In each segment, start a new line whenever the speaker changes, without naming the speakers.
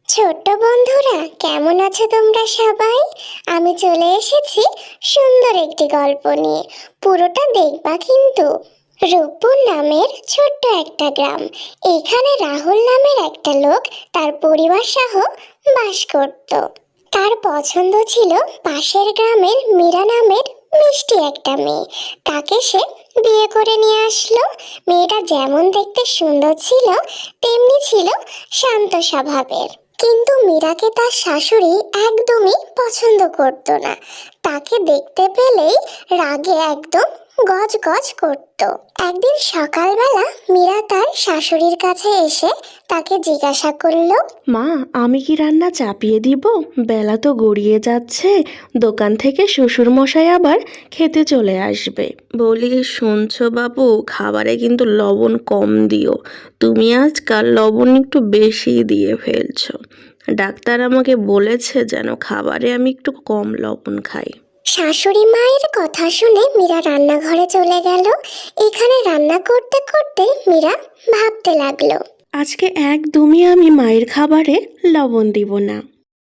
ছোট্ট বন্ধুরা, কেমন আছো তোমরা সবাই? আমি চলে এসেছি সুন্দর একটি গল্প নিয়ে। পুরোটা দেখবা কিন্তু। রূপপুর নামের ছোট্ট একটা গ্রাম। এখানে রাহুল নামের একটা লোক তার পরিবার সহ বাস করত। তার পছন্দ ছিল পাশের গ্রামের মীরা নামের মিষ্টি একটা মেয়ে। তাকে সে বিয়ে করে নিয়ে আসলো। মেয়েটা যেমন দেখতে সুন্দর ছিল, তেমনি ছিল শান্ত স্বভাবের। কিন্তু মীরাকে তার শাশুড়ি একদমই পছন্দ করত না। তাকে দেখতে পেলেই রাগে একদম গজগজ করত। একদিন সকালবেলা মীরা তার শাশুড়ির কাছে এসে তাকে জিজ্ঞাসা করলো,
মা, আমি কি রান্না চাপিয়ে দিব? বেলা তো গড়িয়ে যাচ্ছে। দোকান থেকে শ্বশুর মশাই আবার খেতে চলে আসবে। বলি, শুনছো বাবু, খাবারে কিন্তু লবণ কম দিও। তুমি আজকাল লবণ একটু বেশি দিয়ে ফেলছো। ডাক্তার আমাকে বলেছে যেন খাবারে আমি একটু কম লবণ খাই।
শাশুড়ি মায়ের কথা শুনে মীরা রান্নাঘরে চলে গেল। এখানে রান্না করতে করতে মীরা ভাবতে লাগলো,
আজকে একদমই আমি মায়ের খাবারে লবণ দিব না।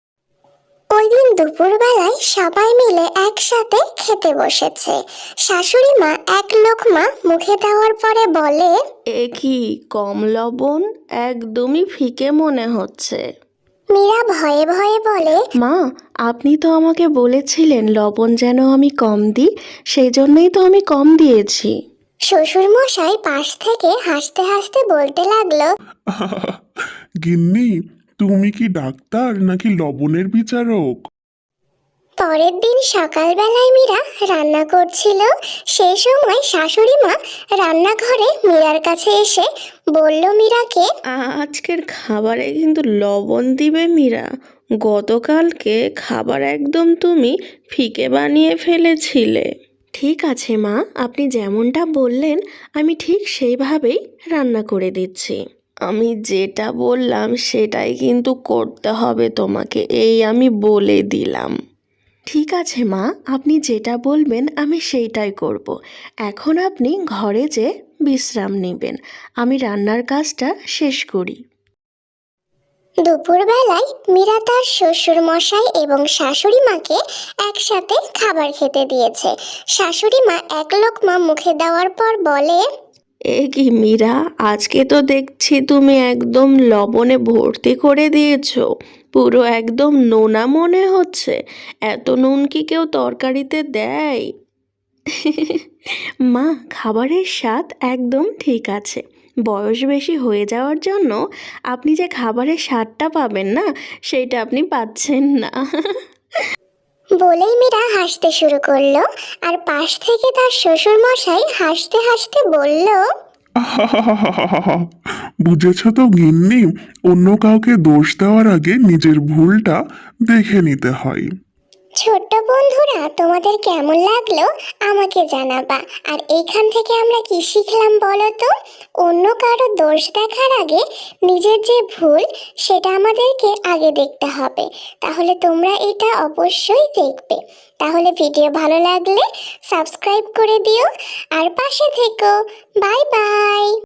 ওই দিন দুপুরবেলায় সবাই মিলে একসাথে খেতে বসেছে। শাশুড়ি মা এক লোকমা মুখে দেওয়ার পরে বলে,
এ কি কম লবণ? একদমই ফিকে মনে হচ্ছে।
মীরা ভয়ে ভয়ে বলে,
মা, আপনি তো আমাকে বলেছিলেন লবণ যেন আমি কম দিই, সেই জন্যই তো আমি কম দিয়েছি।
শ্বশুর মশাই পাশ থেকে হাসতে হাসতে বলতে লাগলো,
গিন্নি, তুমি কি ডাক্তার নাকি লবণের বিচারক?
পরের দিন সকালবেলায় মীরা রান্না করছিল। সেই সময় শাশুড়ি মা রান্নাঘরে মীরার কাছে এসে বলল মীরাকে,
আজকের খাবারে কিন্তু লবণ দিবে মীরা। গতকালকে খাবার একদম তুমি ফিকে বানিয়ে ফেলেছিলে। ঠিক আছে মা, আপনি যেমনটা বললেন আমি ঠিক সেইভাবেই রান্না করে দিচ্ছি। আমি যেটা বললাম সেটাই কিন্তু করতে হবে তোমাকে, এই আমি বলে দিলাম। ঠিক আছে মা, আপনি যেটা বলবেন আমি সেইটাই করব। এখন আপনি ঘরে যেয়ে বিশ্রাম নেবেন, আমি রান্নার কাজটা শেষ করি।
দুপুরবেলায় মীরা তার শ্বশুর মশাই এবং শাশুড়ি মাকে একসাথে খাবার খেতে দিয়েছে। শাশুড়ি মা এক লোকমা মুখে দেওয়ার পর বলে,
এ কি মীরা, আজকে তো দেখছি তুমি একদম লবণে ভর্তি করে দিয়েছো। পুরো একদম নোনা মনে হচ্ছে। এত নুন কি কেউ তরকারিতে দেয়? মা, খাবারের স্বাদ একদম ঠিক আছে। বয়স বেশি হয়ে যাওয়ার জন্য আপনি যে খাবারের স্বাদটা পাবেন না, সেইটা আপনি পাচ্ছেন না।
বলেই মীরা হাসতে শুরু করলো। আর পাশ থেকে তার শ্বশুর মশাই হাসতে হাসতে বলল,
আহাহাহাহাহা। বুঝেছ তো গিন্নি, অন্য কাউকে দোষ দেওয়ার আগে নিজের ভুলটা দেখে নিতে হয়।
ছোট্ট বন্ধুরা, তোমাদের কেমন লাগলো আমাকে জানাবা। আর এইখান থেকে আমরা কি শিখলাম বলো তো? অন্য কারো দোষ দেখার আগে নিজের যে ভুল, সেটা আমাদেরকে আগে দেখতে হবে। তাহলে তোমরা এটা অবশ্যই দেখবে। তাহলে ভিডিও ভালো লাগলে সাবস্ক্রাইব করে দিও আর পাশে থেকো। Bye by.